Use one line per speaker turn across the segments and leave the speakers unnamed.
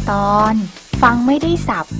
ตอนฟังไม่ได้สับ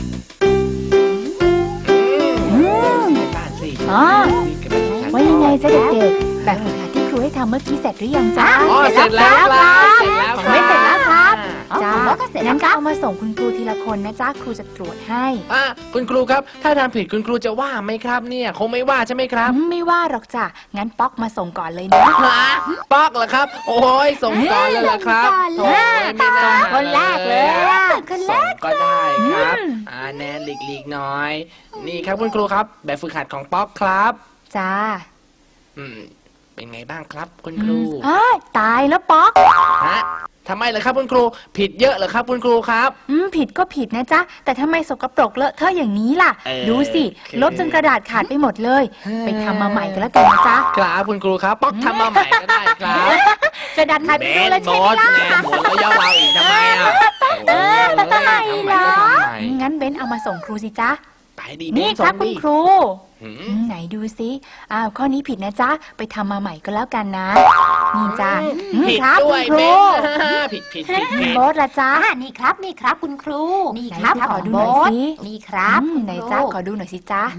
ว่ายังไงจ๊ะเด็กๆแบบฝึกหัดที่ครูให้ทำเมื่อกี้เสร็จหรือยังจ๊ะ
เสร็จแล้วครับ
ไม่เสร็จแล้วครับจ้างั้นก็เอามาส่งคุณครูทีละคนนะจ๊ะครูจะตรวจให้
คุณครูครับถ้าทำผิดคุณครูจะว่าไหมครับเนี่ยคงไม่ว่าใช่ไหมครับ
ไม่ว่าหรอกจ้ะงั้นป๊อกมาส่งก่อนเลยนะ
ป๊อกเหรอครับโอ้ยส่งก่อนเลยเหรอครับ
ส่งคนแรกเลย
คนแรกก็ได้ครับแนนหลีกหน่อยนี่ครับคุณครูครับแบบฝึกหัดของป๊อกครับ
จ้า
เป็นไงบ้างครับคุณครู
ตายแล้วป๊อก
ทำไมเหรอครับคุณครูผิดเยอะเหรอครับคุณครูครับ
ผิดก็ผิดนะจ๊ะแต่ทำไมสกปรกเลอะเทอะอย่างนี้ล่ะดูสิลบจนกระดาษขาดไปหมดเลยไปทำมาใหม่กันแล้วกันนะจ๊ะ
ครับคุณครูครับป๊อกทำมาใหม่ก็ได้ครับ
กระดาษขาดไปแล้วใช่ไหมล่ะ
หมดแล้วย่อเราอีกทำไม
ทำไมเหรองั้นเบนเอามาส่งครูสิจ๊ะนี่ครับคุณครูไหนดูซิข้อนี้ผิดนะจ๊ะไปทำมาใหม่ก็แล้วกันนะนี่จ้ะ
ผิดด้วยเบนผิด
โบ๊ทละจ๊ะ
นี่ครับคุณครู
นี่ครับขอดูหน่อยสิ
นี่ครับ
ไหนจ๊ะขอดูหน่อยสิจ๊ะ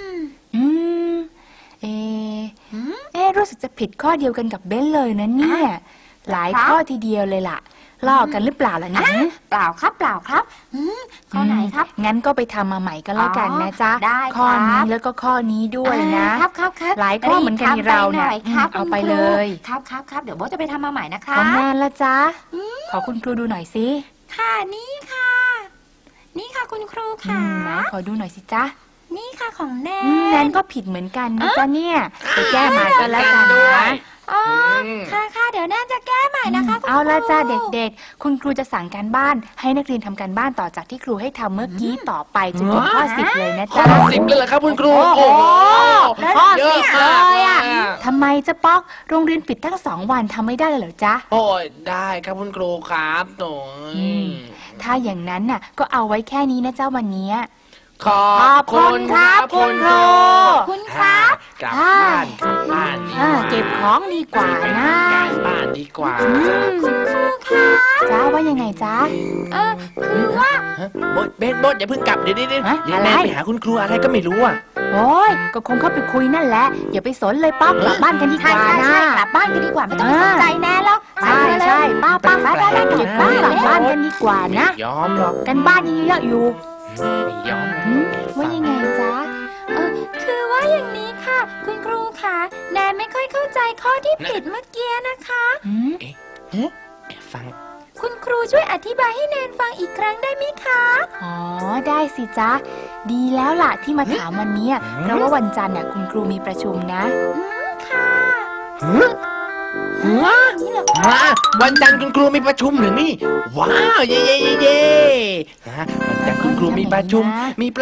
รู้สึกจะผิดข้อเดียวกันกับเบนเลยนะเนี่ยหลายข้อทีเดียวเลยล่ะลอกกันหรือเปล่าล่ะเนี่ย
เปล่าครับข้อไหนครับ
งั้นก็ไปทำมาใหม่ก็แล้วกันนะจ๊ะข้อนี้แล้วก็ข้อนี้ด้วยนะครับหลายข้อเหมือนกันเราเนี่ยเอาไปเลย
ครับเดี๋ยวโบ๊ทจะไปทำมาใหม่นะคะ
ของแนนละจ๊ะขอคุณครูดูหน่อยสิ
ค่ะนี่ค่ะคุณครูค่ะ
ขอดูหน่อยสิจ๊ะ
นี่ค่ะของแ
นนก็ผิดเหมือนกันนะจ๊ะเนี่ยไปแก้มาก็แล้วกันนะ
ค่ะเดี๋ยวแนนจะแก้ใหม่นะคะ
เอาละจ้าเด็กๆคุณครูจะสั่งการบ้านให้นักเรียนทำการบ้านต่อจากที่ครูให้ทำเมื่อกี้ต่อไปจนถึงข้อ10เลยนะจ๊ะ
ข้อ10เลยเหรอครับคุณครูโอ้โห
เยอะเลยอ่ะทำไมจะป๊อกโรงเรียนปิดตั้ง2 วันทำไม่ได้เลยเหรอจ๊ะ
โอ้ยได้ครับคุณครูครับหนู
ถ้าอย่างนั้นน่ะก็เอาไว้แค่นี้นะเจ้าวันนี้
ขอบคุณครับคุณครู
คุณครับ
กลับบ้าน
เก็บของดีกว่านะ
บ้านดีกว่า
คุณครูคะ
จ้าว่ายังไงจ้า
คือว่า
เบนอย่าเพิ่งกลับเดี๋ยวแม่ไปหาคุณครูอะไรก็ไม่รู้
โอ้ยก็คงเข้าไปคุยนั่นแหละอย่าไปสนเลยป๊อกกลับบ้านกันดีกว่านะ
กลับบ้านกันดีกว่าไม่ต้องสนใจแน่หรอก
ใช่ป้าเก็บบ้านกลับบ้านกันดีกว่านะ
ยอมหรอก
กันบ้านยังเยอะอยู่
ไม่ยอม
ว่ายังไงจ๊ะ
คือว่าอย่างนี้ค่ะคุณครูคะแนนไม่ค่อยเข้าใจข้อที่ผิดเมื่อกี้นะคะ
ฟัง
คุณครูช่วยอธิบายให้แนนฟังอีกครั้งได้ไหมคะ
ได้สิจ๊ะดีแล้วล่ะที่มาถามวันนี้เพราะว่าวันจันทร์คุณครูมีประชุมนะ
ค่ะ
วันจันทร์คุณครูมีประชุมหรือนี่ว้าวเย่วันจันทร์คุณครูมีประชุม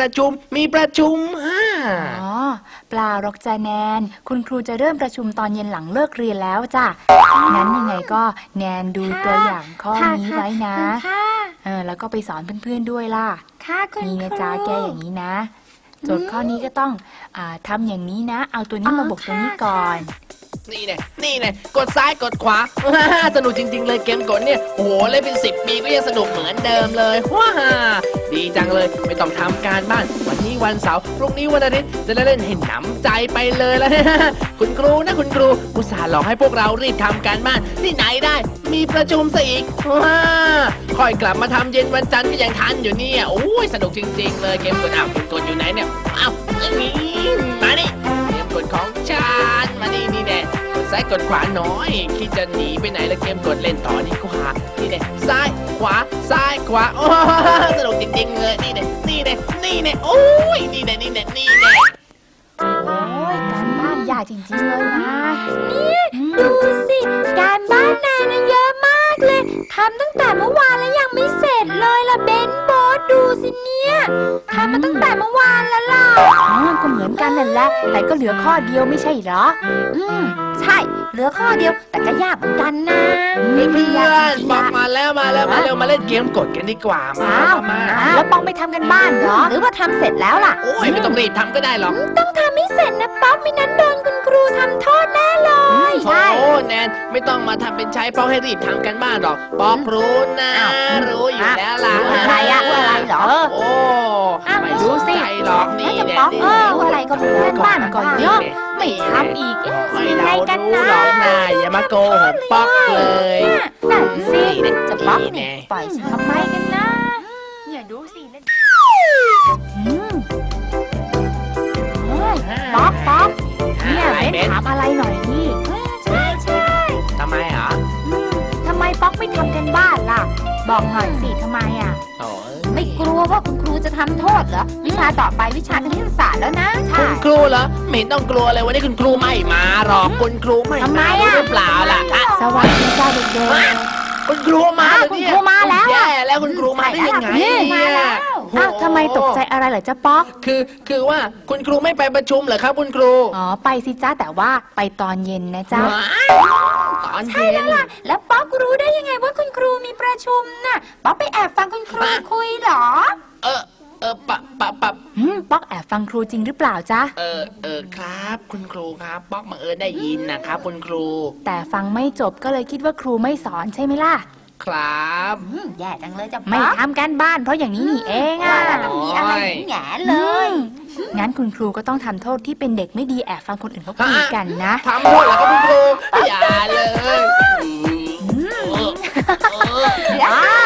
เปล่าหรอกจ้ะแนนคุณครูจะเริ่มประชุมตอนเย็นหลังเลิกเรียนแล้วจ้ะงั้นยังไงก็แนนดูตัวอย่างข้อนี้ไว้นะแล้วก็ไปสอนเพื่อนๆด้วยล่ะนี่นะจ๊ะแก้อย่างนี้นะโจทย์ข้อนี้ก็ต้องทำอย่างนี้นะเอาตัวนี้มาบวกตัวนี้ก่อน
นี่ไงกดซ้ายกดขวาสนุกจริงๆเลยเกมกดเนี่ยโอ้โหเล่นเป็น10 ปีก็ยังสนุกเหมือนเดิมเลยว้าดีจังเลยไม่ต้องทำการบ้านวันนี้วันเสาร์พรุ่งนี้วันอาทิตย์จะได้เล่นให้หนำใจไปเลยแล้วคุณครูอุตส่าห์หลอกให้พวกเรารีบทำการบ้านที่ไหนได้มีประชุมซะอีกว้าค่อยกลับมาทำเย็นวันจันทร์ก็ยังทันอยู่เนี่ยโอ้ยสนุกจริงๆเลยเกมกดกดอยู่ไหนเนี่ยนี่มานี่เกมกดของฉันมานี่แน่กดซ้ายกดขวาหน่อยคิดจะหนีไปไหนแล้วเกมกดเล่นต่อดีกว่านี่แน่ซ้ายขวาโอ้สนุกจริงๆเลยนี่แน่โอ้ยนี่แน่
โอ้ยการบ้านยากจริงๆเลยนะ
นี่ดูสิการบ้านนายนะเยอะมากเลยทำตั้งแต่เมื่อวานแล้วยังไม่เสร็จเลยล่ะเบนโบ๊ทดูสิเนี่ยทำมาตั้งแต่เมื่อวานแล้วล่ะ
ก็เหมือนกันนั่นแหละแต่ก็เหลือข้อเดียวไม่ใช่เหรอ
ใช่เหลือข้อเดียวแต่ก็ยากเหมือนกันนะ
เพื่อนบอกมาแล้วมาเล่นเกมกดกันดีกว่ามา
แล้วปองไปทำกันบ้านเหรอ
หรือว่าทำเสร็จแล้วล่ะ
โอ้ยไม่ต้องรีบทำก็ได้หรอก
ต้องทำให้เสร็จนะป๊อปไม่นั้นโดนคุณครูทำโทษแน่เลย
ใช่โอ้แนนไม่ต้องมาทำเป็นใช้เพราะให้รีบทำกันบ้านหรอกป๊อกรู้นะรู้อยู่แล้วล่ะ
อะไรอะอะไรเหรอ
โอ้ไม่
ดู
สน
สิ
ใจหรอกนี่
จะ
เนี่ย
ป๊อก
นี่
อะไรก็ไม่รู้
บ้านก็เยอะไม่ทำอีก
ไม่
ยังไง
เรา
กัน
รู้
นะ
หรอกนะอย่ามาโกหกป๊อกเลย
นั่นสิจะป๊อก
นี่
นี่
ไง
ปล่อยฉันทำไมกันนะเนี่ยดูสินั่น
อืมป๊อกป๊อกเนี่ย
อะไร
เบน
เบน
ถามอะไรหน่อยดิ
ใช่ใช่
ทำไมเหรอ
ทำไมป๊อกไม่ทำกันบ้านล่ะ บอกหน่อยสิทำไมอ่ะ
โอ้ย
ไม่กลัวว่าคุณครูจะทำโทษเหรอวิชาต่อไปวิชาคณิตศาสตร์แล้วนะใช่
คุณครูเหรอไม่เห็นต้องกลัวเลยวันนี้คุณครูไม่มาหรอกคุณครูไม่
ทำไม
มา
อะ
รู้หรือเปล่าล่ะอ่ะ
สวัสดีจ้าเด็ก
คุณครูมาเหรอเนี่ย
คุณครูมาแล้วอะ
แย่แล้วคุณครูมาได้ยังไง
มาแล้ว
ๆอ้าวทำไมตกใจอะไรเหรอจ้าป๊อก
คือว่าคุณครูไม่ไปประชุมเหรอครับ คุณครู
อ๋อไปสิจ้าแต่ว่าไปตอนเย็นนะจ๊ะ
ว้ายตอนเย็น
แล้วป๊อกรู้ได้ยังไงว่าคุณครูมีประชุมน่ะป๊อกไปแอบฟังคุณครูคุยเหรอ
ปะ
ป๊อกแอบฟังครูจริงหรือเปล่าจ๊ะ
ครับคุณครูครับป๊อกบังเอิญได้ยินนะครับคุณครู
แต่ฟังไม่จบก็เลยคิดว่าครูไม่สอนใช่ไหมล่ะ
ครับ
แย่จังเลยจะ
ไม่
ป๊อก
ทำการบ้านเพราะอย่างนี้นี่เองอ่ะ
ว่าแล้วต้องมีอะไรแหง่เลย
งั้นคุณครูก็ต้องทำโทษที่เป็นเด็กไม่ดีแอบฟังคนอื่นเขาคุยกันนะ
ทำโทษเหรอครับคุณครูอย่าเลย
อ้า